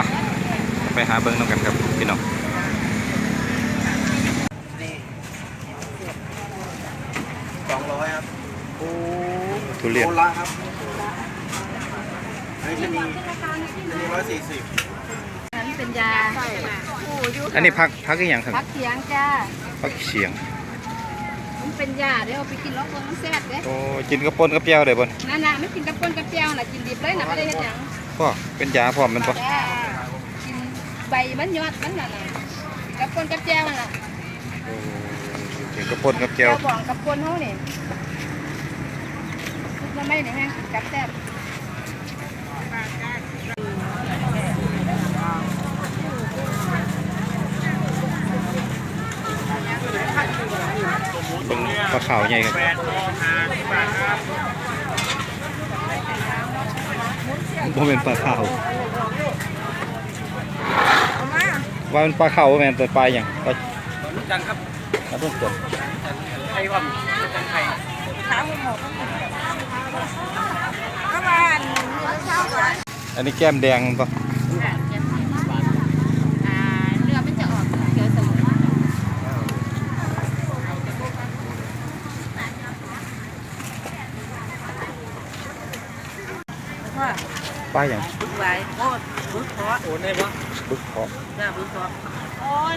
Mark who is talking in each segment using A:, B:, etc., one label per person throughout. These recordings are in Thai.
A: ไปหาเบิ้งน้ำกันครับพี่น้อง
B: 200ครับ
A: ทุเรียน
B: โลละครับอันนี้140
C: อันนี้เป็นยา
A: อันนี้พักอีกอย่างครับ
C: พักเสียงจ้า
A: พักเสียง
C: มันเป็นยาเดี๋ยวเอาไปกินแล้วมันแซ่บเด้
A: โอ้กินกระปนกระเปียวได้บ่
C: นั่นน่ะไม่กินกระปนกระเปียวน่ะกินดิบเลยน่ะไม่ได้เฮ็ดหยัง
A: พ่อเป็นยาพร้อมมันป่ะ
C: กินใบมันยอดมันน่ะกระปนกระเปียวน่ะ
A: กินกระปนกระเปียว
C: บอกกระปนเฮานี่มันไม่ได้แห้งกินกับแซ่บ
A: เป็นปลาขาวใหญ่ครับบ่เป็นปลาขาวว่าเป็นปลาขาวแม่นแต่ปลาอย่างปลา
B: จังครับ
A: ปลาต้นกด
B: ไทยว่าจังไทย
C: ขาหมูก็มา
A: อันนี้แก้มแดงป่ะ
C: เนื้อมันจะออกเขียวสมุน
A: ปลาอย่าง
C: บึกไว้โอ้บึกเพาะ
B: โอนได้ปะ
A: บึกเพาะ
C: จ้าบึกเพาะโอน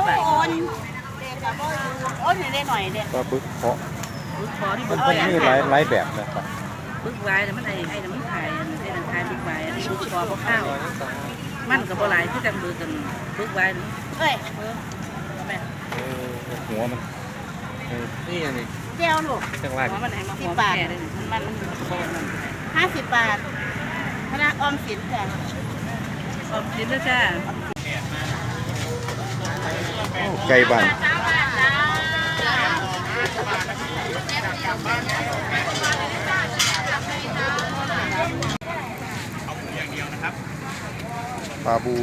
C: โอนได้หน่อยเด็ด
A: ปลาบึกเพาะ
C: บึกเพาะที่
A: มันมีหลายแบบนะครับ
C: บึกไว้แต่มันไอ้แต่มันขายไอ้แต่ขายบึกไว้อันนี้บึกเพาะเพราะข้าวมันกับปลาไหลที่จังมือกันบึกไว้เอ้ย
A: หัวมัน
B: นี่อันนี้
C: เจ้าลูก
A: จังไร
C: มัน10 บาทมัน50 บาทคณะออมสินจ้ะออมสินนะจ้ะ
A: ไก่บ้านปลาบู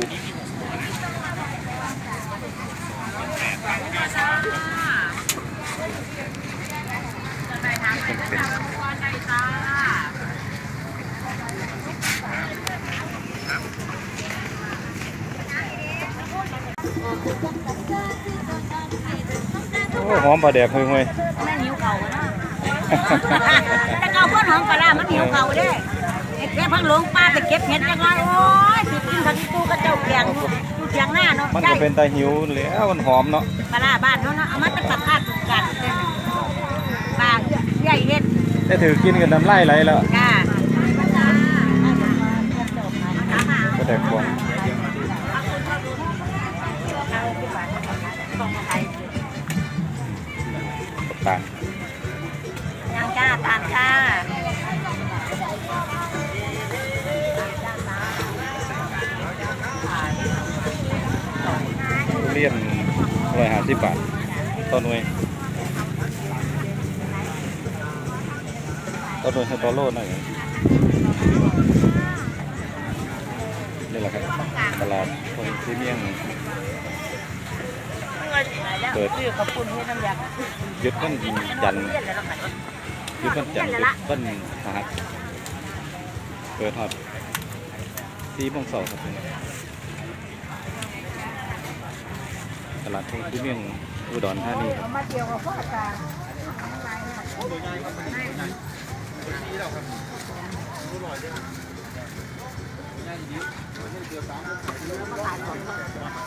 A: โอ้หอมปลาแดกห่วย
C: แม่หิวเก่าเนาะแต่เก่าพ่นหอมปลามันหิวเก่าเด้แค่พังหลวงป้าไปเก็บเห็ดจังเลยโอ้ยสิกินผักกูกระเจ้าเกียงเกียงหน้าเนาะ
A: มันก็เป็นตาหิวแล้วมันหอมเนาะ
C: ปลาบ้านเนาะเอามันเป็นผักคาดกันปลาใหญ่เห็ด
A: ได้ถือกินกันน้ำลายไหลแล้ว
C: จ้า
A: ก็แดกกวางตาล
C: ยังจ้าตามจ้า
A: ทุเรียน150 บาทต้นหน่วยให้ต่อโลหน่อยนี่แหละครับตลาดคนที่เมี่ยงเปิด
C: ขอบคุณที่น้ำยา
A: ยึดต้นจันยึดต้นจันยึดต้นหาดเปิดทอด4 โมงเช้าครับตลาดคนที่เมี่ยงอุดรธานี
C: มาเกี่ยวกับพ่อตา
B: เ